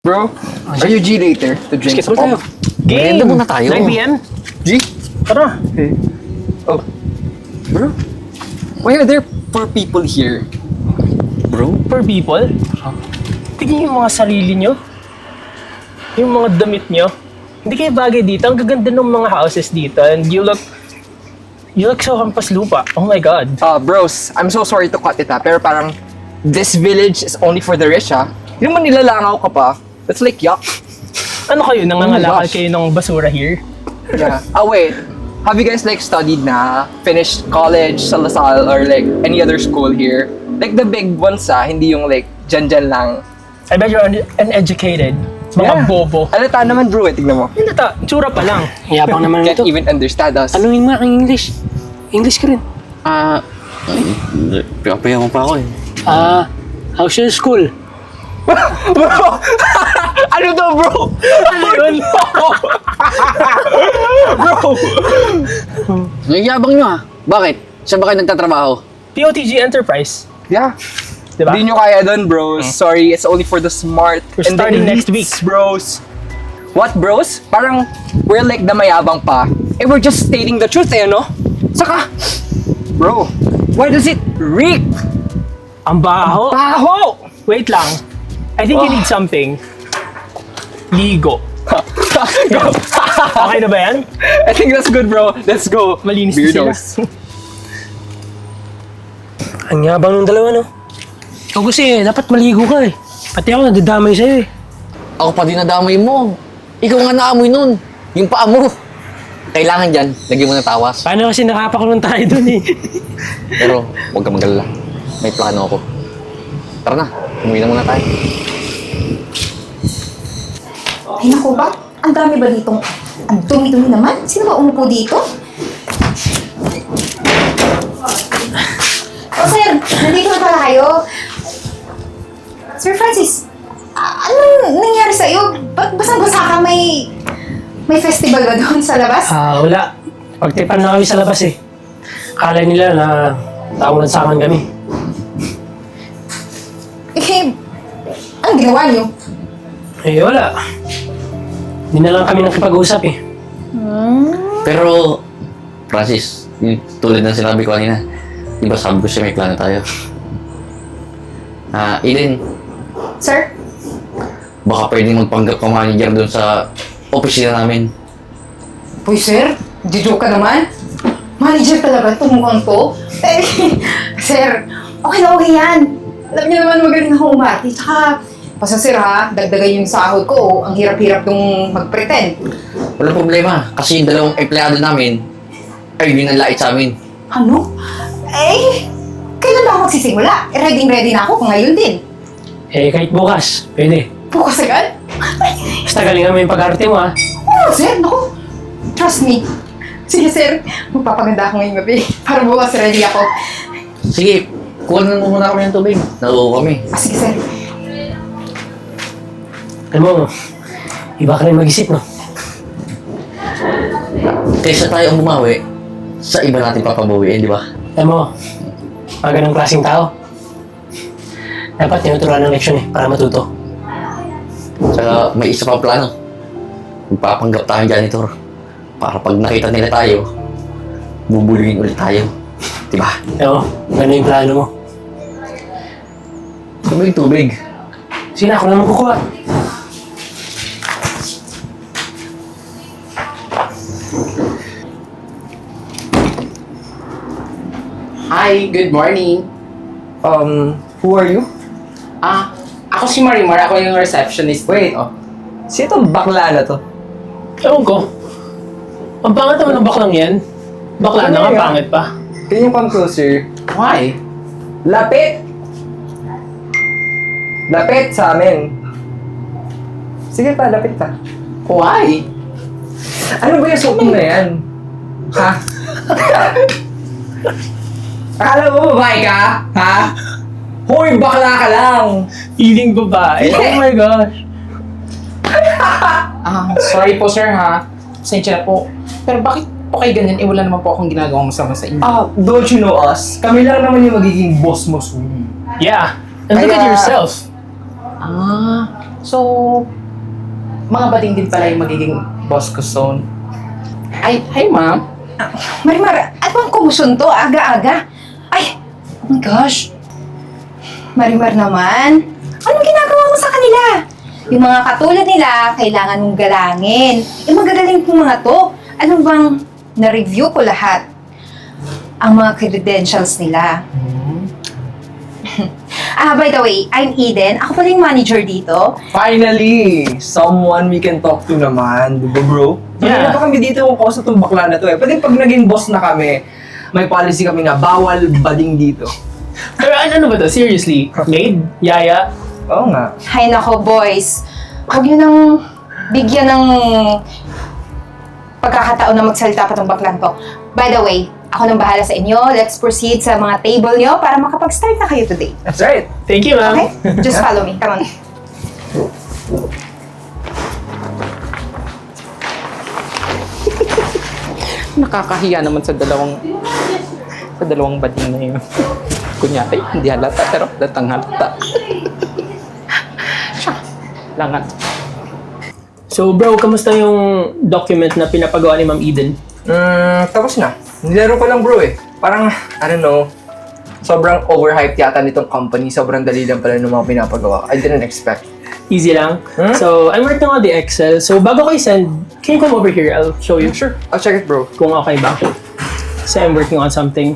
Bro, are you G later to drink Basketball some tayo. pop? Game! Maganda muna tayo. 9 p.m. G? Tara. Okay. Oh. Bro, why are there poor people here? Bro? For people, tignan yung mga sarili nyo. Yung mga damit nyo. Hindi kayo bagay dito. Ang gaganda ng mga houses dito. And you look so hampas lupa. Oh my God. Bros, I'm so sorry to cut it pero parang this village is only for the rich Hindi naman nilalangaw ka pa. That's like yuck. Ano kayo? Nangangalakal gosh. kayo ng basura here? Yeah. Wait. Have you guys like studied finished college sa LaSalle or like any other school here? Like the big ones hindi yung like dyan lang. I bet you're uneducated. Mga bobo. Alata naman bro tignan mo. Hindi ta, tsura pa lang. Yabang naman Can't ito. even understand us. Anuhin mo ang English. English ka rin. Pinapayaman pa ako eh. How's your school? Bro! Ano to bro? Ano yun? Bro! Nagyabang nyo ah. Bakit? Saan ba kayo nagtatrabaho? POTG Enterprise. Yeah. Diba? Hindi nyo kaya dun, bros. Sorry, it's only for the smart. We're and starting the next week. elites, bros. What, bros? Parang we're like the mayabang pa. We're just stating the truth no? Saka, bro, why does it reek? Ang baho. Baho! Wait lang. I think you need something. Ligo. Okay na ba yan? I think that's good, bro. Let's go. Malinis na sila. Weirdos. Ang yabang ng dalawa, no? Ikaw kasi, dapat maligo ka eh. Pati ako nadadamay sa'yo eh. Ako pa din nadamay mo. Ikaw nga naamoy nun. Yung paa mo. Kailangan dyan, lagyan mo ng tawas. Paano kasi nakapakulong tayo dun eh. Pero huwag ka magalala. May plano ako. Tara na, umuwi na muna tayo. Ay naku ba? Ang dami ba ditong... Ang dumi-dumi naman? Sino ba umupo dito? Oh, sir! Nandito na pala kayo. Sir Francis, anong nangyari sa'yo? Ba't basang-basa ka? May festival ba doon sa labas? Wala. Pagtipan na kami sa labas eh. Akala nila na tawag sa akin kami. Eh, anong ginawa niyo? Eh, wala. Hindi na lang kami nakipag-usap eh. Pero, Francis, yung tulad ng sinabi ko kanina, di ba sabi ko siya may plano tayo? Eden, Sir? baka pwedeng magpanggap ka manager doon sa opisina namin. Uy, sir? Joke ka naman? Manager talaga itong mukhang to? Eh, sir, okay na okay yan. Alam niyo naman magaling ako umati. Tsaka, basta sir ha, dagdagan yung sahod ko. Ang hirap-hirap nung mag-pretend. Walang problema, kasi yung dalawang empleyado namin, ay yun ang lait sa amin. Ano? Eh, kailan ba ako magsisimula? Ready na ako kung ngayon din. Eh, kahit bukas, pwede. Bukas agad? Basta galingan mo yung pag-arte mo ha. Oo, sir. Naku, trust me. Sige, sir. Magpapaganda ako ngayong gabi. Para bukas ready ako. Sige, kuha na muna kami ng tubig. Nauuwi kami. Sige, sir. Alam mo, iba ka rin mag-isip, no? Kaysa tayo ang bumawi, sa iba natin papabawiin, di ba? Alam mo, mga ganong klaseng tao, dapat tinuturuan ng leksyon eh, para matuto. Tsaka may isa pang plano. Magpapanggap tayong janitor. Para pag nakita nila tayo, bubulungin ulit tayo. Di ba? Oo, gano'n yung plano mo. Tubig. Sige na, ako naman kukuha. Hi, good morning. Who are you? Ako si Marimar, ako yung receptionist. Wait, sino tong bakla na to? Ewan ko. Ang pangit naman ng baklang yan. Bakla Ano na nga, yan? pangit pa. Can you come closer? Why? Lapit! Lapit sa amin. Sige pa, lapit pa. Why? Ano ba yung suot mo na yan? Ha? Akala mo babae ka? Ha? Hoy, bakla ka lang! Feeling babae. Yeah. Oh my gosh. Sorry po sir ha. Pasensya na po. Pero bakit po kayo ganyan? Wala naman po akong ginagawang masama sa inyo. Don't you know us? Kami lang naman yung magiging boss mo soon. Yeah. And look at Kaya- yourself. So, mga bading din pala yung magiging boss ko soon. Ay, hi ma'am. Marimar, at bang kumusyon to? Aga-aga. Ay, oh my gosh. Marimar naman, anong ginagawa mo sa kanila? Yung mga katulad nila, kailangan mong galangin. Yung magagaling pong mga to, ano bang na-review ko lahat? Ang mga credentials nila. By the way, I'm Eden. Ako pala yung manager dito. Finally! Someone we can talk to naman, di ba bro? Yeah. Hindi pa kami dito kung kausa itong bakla na to eh. Pati pag naging boss na kami, may policy kami na bawal bading dito. Pero ano ba to? Seriously? Maid? Yaya? Oo nga. Hay nako, boys. Huwag nyo nang bigyan ng pagkakataon na magsalita pa tong baklang to. By the way, ako nang bahala sa inyo. Let's proceed sa mga table nyo para makapag-start na kayo today. That's right. Thank you, ma'am. Okay? Just follow me. Come on. Nakakahiya naman sa dalawang bading na yun. Kunyari, hindi halata, pero datang halata. Siya, langan. So bro, kamusta yung document na pinapagawa ni Ma'am Eden? Tapos na. Nilaro ko lang bro eh. Parang, I don't know, sobrang overhyped yata nitong company. Sobrang dali lang pala ng mga pinapagawa. I didn't expect. Easy lang. Hmm? So, I'm working on the Excel. So, bago ko i-send, can you come over here? I'll show you. Sure, I'll check it bro. Kung okay ba. Kasi I'm working on something.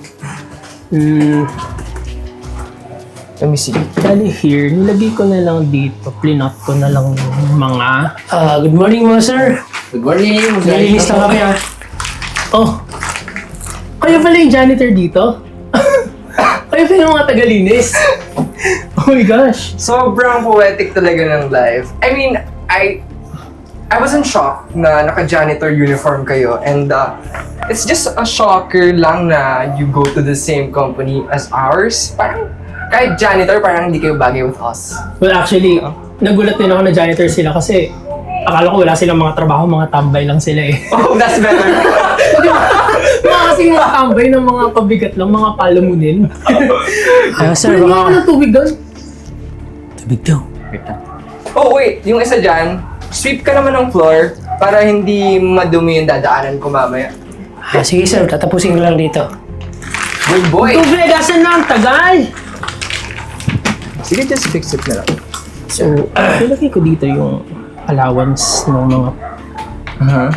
Let me see. Dali here, nilagay ko na lang dito. Plinot ko na lang yung mga... good morning mga sir. Good morning! Nalinis lang kami ah. Oh. Kayo pala yung janitor dito? Kayo pala yung mga tagalinis? Oh my gosh. Sobrang poetic talaga ng life. I mean, I wasn't shocked na naka-janitor uniform kayo and it's just a shocker lang na you go to the same company as ours. Parang kahit janitor, parang hindi kayo bagay with us. Well actually, nagulat din ako na janitor sila kasi akala ko wala silang mga trabaho, mga tambay lang sila eh. Oh, that's better. Mga kasing mga tambay ng mga pabigat lang, mga palamunin. Sir, baka ako ng tubig doon. Tubig daw. Oh, wait. Yung isa dyan, sweep ka naman ng floor para hindi madumi yung dadaanan ko mamaya. Sige sir, tatapusin ko lang dito. Good boy! Tubig, asan na ang tagal? Sige, just fix it na lang. So, nilagay ko dito yung allowance ng mga... Uh-huh.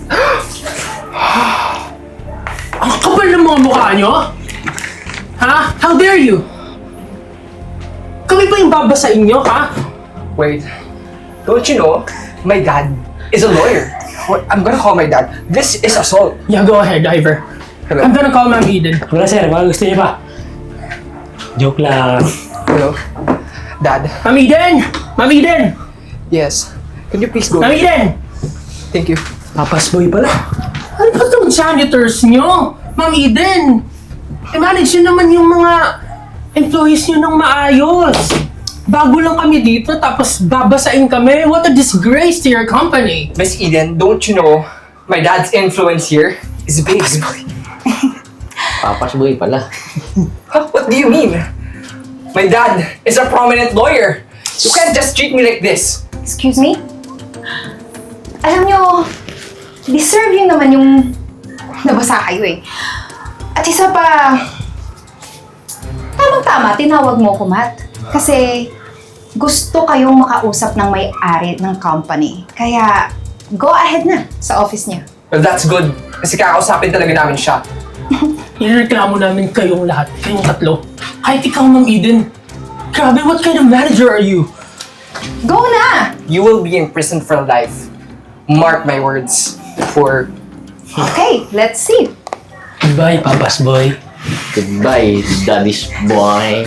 Ang kapal ng mga mukha nyo? Ha? How dare you? Kami pa yung babasain nyo, ha? Wait. Don't you know, my dad is a lawyer. What? I'm gonna call my dad. This is assault. Yeah, go ahead, Ivor. Hello? I'm gonna call Ma'am Eden. Wala sir, baka gusto niyo pa. Joke lang. Hello? Dad? Ma'am Eden! Ma'am Eden! Yes. Can you please go? Ma'am Eden! Thank you. Papas boy pala. Ano ba itong janitors nyo? Ma'am Eden! I-manage nyo naman yung mga employees nyo ng maayos. Bago lang kami dito, tapos babasain kami. What a disgrace to your company. Miss Eden, don't you know, my dad's influence here is big. Papas boy pala. Huh? What do you mean? My dad is a prominent lawyer. You can't just treat me like this. Excuse me? Alam nyo, deserve yun naman yung nabasa kayo eh. At isa pa, tamang-tama, tinawag mo ko, Matt. Kasi gusto kayong makausap ng may-ari ng company. Kaya, go ahead na sa office niya. Well, that's good. Kasi kakausapin talaga namin siya. Inireklamo namin kayong lahat, kayong tatlo. Kahit ikaw, Ma'am Eden. Grabe, what kind of manager are you? Go na! You will be in prison for life. Mark my words. For... Okay, let's see. Goodbye, Papas boy. Goodbye, daddy's boy.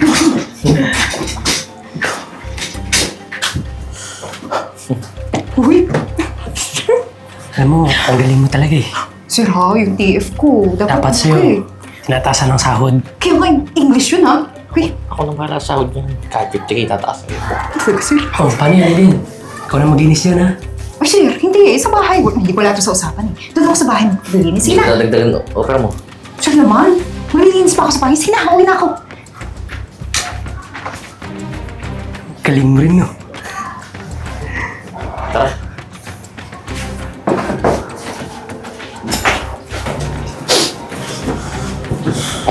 Uy, Alam mo, ang galing mo talaga eh. sir ha, yung TF ko. Dapat sa'yo, tinatasan ng sahod. Kaya nga English yun ha. Uy, Ako nang para sa sahod niyan. Kahit 50K tataas ko. talaga sir. Oh, paano yan din? Ikaw na maginis yan ha. Ay sir, hindi eh. Sa bahay. Hindi ko lahat sa usapan eh. Doon ako sa bahay maglilinis. Hindi Sige ko na. dadagdagan opera mo. Sir naman, maglilinis pa ako sa bahay. Sige na, uwi na ako. Galing mo rin no.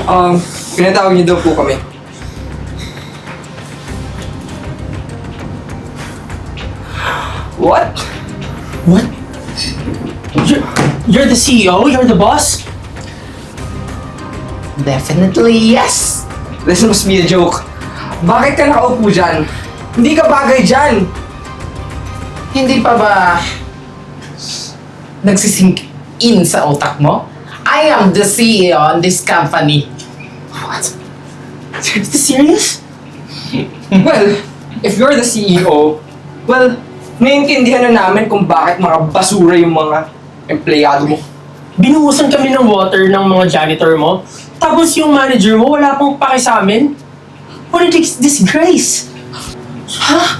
Pinatawag niyo daw po kami. What? What? You're the CEO? You're the boss? Definitely yes. This must be a joke. Bakit ka nakaupo dyan? Hindi ka bagay dyan! Hindi pa ba nagsisink in sa utak mo? I am the CEO on this company. What? Is this serious? Well, if you're the CEO, well, naiintindihan na namin kung bakit mga basura yung mga empleyado mo. Binuhusan kami ng water ng mga janitor mo, tapos yung manager mo wala pong pake sa amin? What a disgrace! Ha?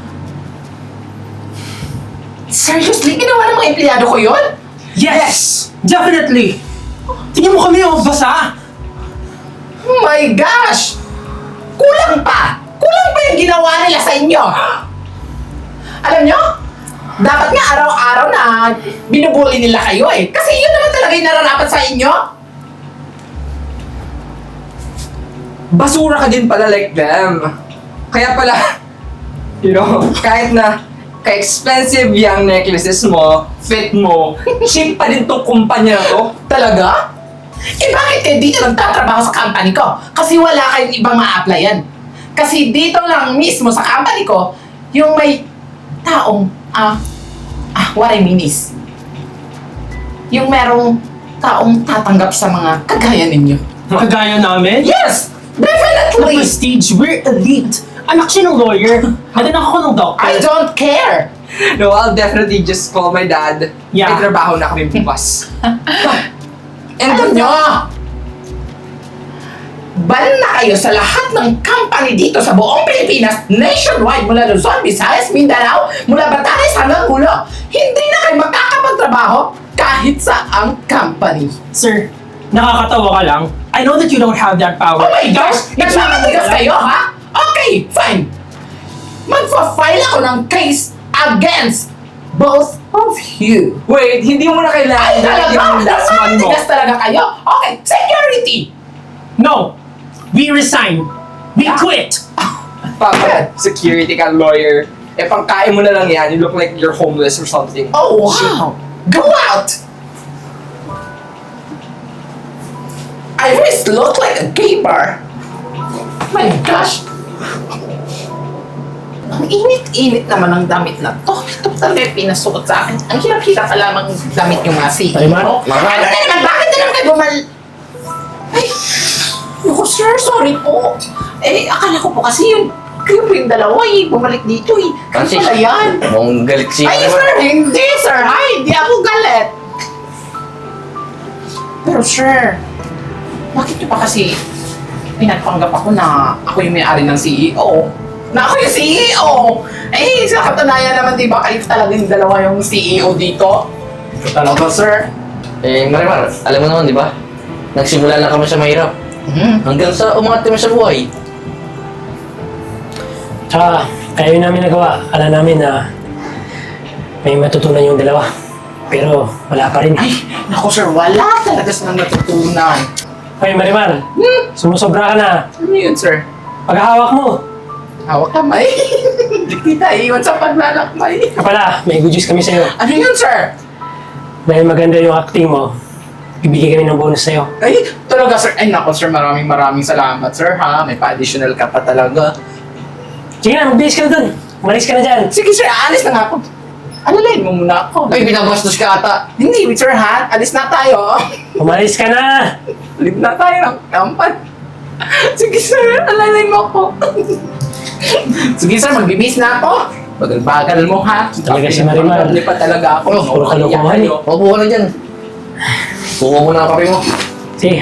Seriously? Ginawa ng mga empleyado ko yun? Yes! Definitely! Tingnan mo kami, oh, basa! Oh my gosh! Kulang pa! Kulang pa yung ginawa nila sa inyo! Alam nyo? Dapat nga araw-araw na binubuli nila kayo eh. Kasi yun naman talaga yung nararapat sa inyo. Basura ka din pala like them. Kaya pala, you know, kahit na ka-expensive yung necklaces mo, fit mo, cheap pa din tong kumpanya na to. Talaga? Eh bakit eh dito nagtatrabaho sa company ko? Kasi wala kayong ibang ma-applyan. Kasi dito lang mismo sa company ko, yung may taong, what I mean is, yung merong taong tatanggap sa mga kagaya ninyo. Kagaya namin? Yes! The Definitely! prestige, we're elite! Anak siya ng lawyer, at anak ako ng doctor. I don't care! No, I'll definitely just call my dad. Yeah. May trabaho na kami bukas. And Alam nyo, ban na kayo sa lahat ng company dito sa buong Pilipinas, nationwide, mula Luzon, Visayas, Mindanao, mula Batanes hanggang Hulo. Hindi na kayo magkakapagtrabaho kahit sa ang company. Sir, nakakatawa ka lang. I know that you don't have that power. Oh my gosh! Nagmamatigas kayo, ha? Okay, fine. Magfa-file ako ng case against both of you. wait, hindi mo na kailangan Ay, talaga? yung last one mo. Nagmamatigas talaga kayo? Okay, security! No! We resign! We quit! Papa, security ka, lawyer. Eh, pangkain mo na lang yan. You look like you're homeless or something. Oh, wow! Go out! I just look like a gay bar. My gosh! Ang init-init naman ng damit na to. Ito talaga yung pinasuot sa akin. Ang hirap-hirap pa lamang damit yung mga CEO. Ay, Mar- Ano na naman? Bakit na naman kayo Ay! Naku, sir, sorry po. Eh, akala ko po kasi yun. Kayo po yung dalawa eh. Bumalik dito eh. Kayo Francis, pala yan. mukhang galit si Ay, Marimar. sir! Hindi, sir! Ay, hindi ako galit! Pero, sir, bakit nyo pa kasi pinagpanggap ako na ako yung may-ari ng CEO? Na ako yung CEO! Eh, sa katunayan naman, di ba, kayo talaga yung dalawa yung CEO dito? Talaga, sir? Eh, Marimar, alam mo naman, di ba? Nagsimula lang kami sa mahirap. Hanggang sa umangat kami sa buhay. Tsaka, kaya yun namin nagawa. Alam namin na may matutunan yung dalawa. Pero wala pa rin. Ay, naku, sir, wala talaga silang natutunan. Ay, Marimar, sumusobra ka na. Ano yun, sir? Paghahawak mo. Hawak kamay. Hindi tayo iwan sa paglalakbay. Kaya pala, may good news kami sa'yo. Ano yun, sir? Dahil maganda yung acting mo, bibigyan kami ng bonus sa'yo. Ay, talaga, sir. Ay, nako, sir. Maraming salamat, sir, ha? May pa-additional ka pa talaga. Sige na, magbihis ka na dun. Umalis ka na dyan. Sige, sir. Alis na nga ako. Alalayin mo muna ako. Ay, binabastos ka ata. Hindi, sir, ha? Alis na tayo. Umalis ka na! Alis na tayo ng kampan. Sige, sir. Alalayin mo ako. Sige, sir. Magbibis na ako. Bagal-bagal mo, ha? Talaga si Marimar. Hindi pa talaga ako. Oh, puro kalokohan eh. Opo ka na dyan. Kuha mo na ang kape mo. Sige.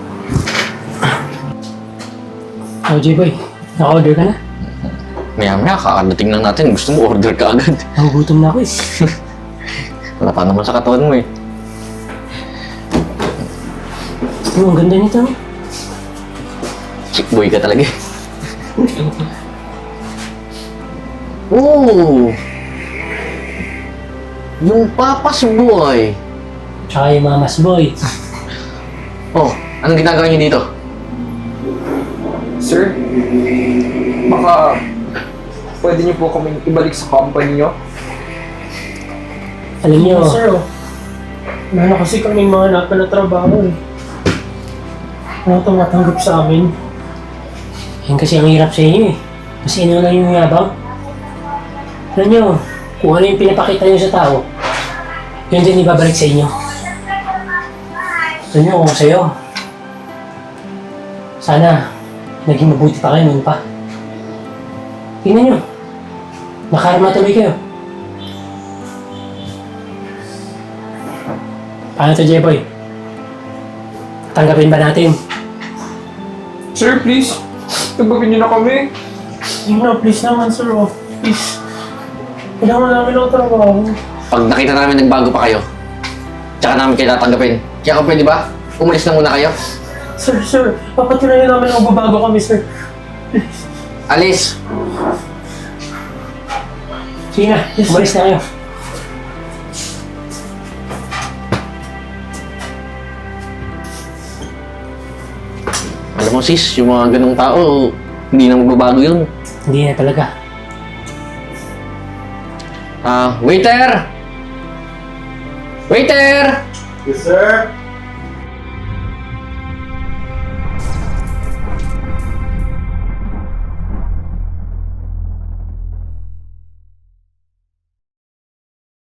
Oh, J-Boy, naka-order ka na? Maya-maya, kakadating lang natin. Gusto mo order ka agad. Nagugutom na ako eh. Wala pa naman sa katawan mo eh. Oh, ang ganda nito. Chick boy ka talaga eh. Oh! Yung papas boy. Tsaka yung mamas boy. Oh, anong ginagawa niyo dito? Sir, baka pwede niyo po kami ibalik sa company niyo? Alam niyo, Sir, oh. Wala na kasi kaming mga hanapan na trabaho eh. Wala tumatanggap sa amin. yan kasi ang hirap sa inyo eh. Kasi ano lang yung yabang. Alam niyo, kung ano yung pinapakita niyo sa tao, yun din ibabalik sa inyo. Alam niyo, kung sa'yo, sana naging mabuti pa kayo noon pa. Tingnan niyo, nakarma tuloy kayo. Paano to, Jeboy? Tanggapin ba natin? Sir, please. Tagbakin niyo na kami. Yun na, please naman, sir. Oh. Please. Kailangan namin ng trabaho. Pag nakita namin nagbago pa kayo, tsaka namin kayo tatanggapin. Kaya kung pwede ba, umalis na muna kayo. Sir, papatunayan namin na magbabago kami, sir. Please. Alis! Sige na, umalis na kayo. Alam mo sis, yung mga ganong tao, hindi na magbabago yun. Hindi na talaga. Waiter! Waiter! Yes, sir.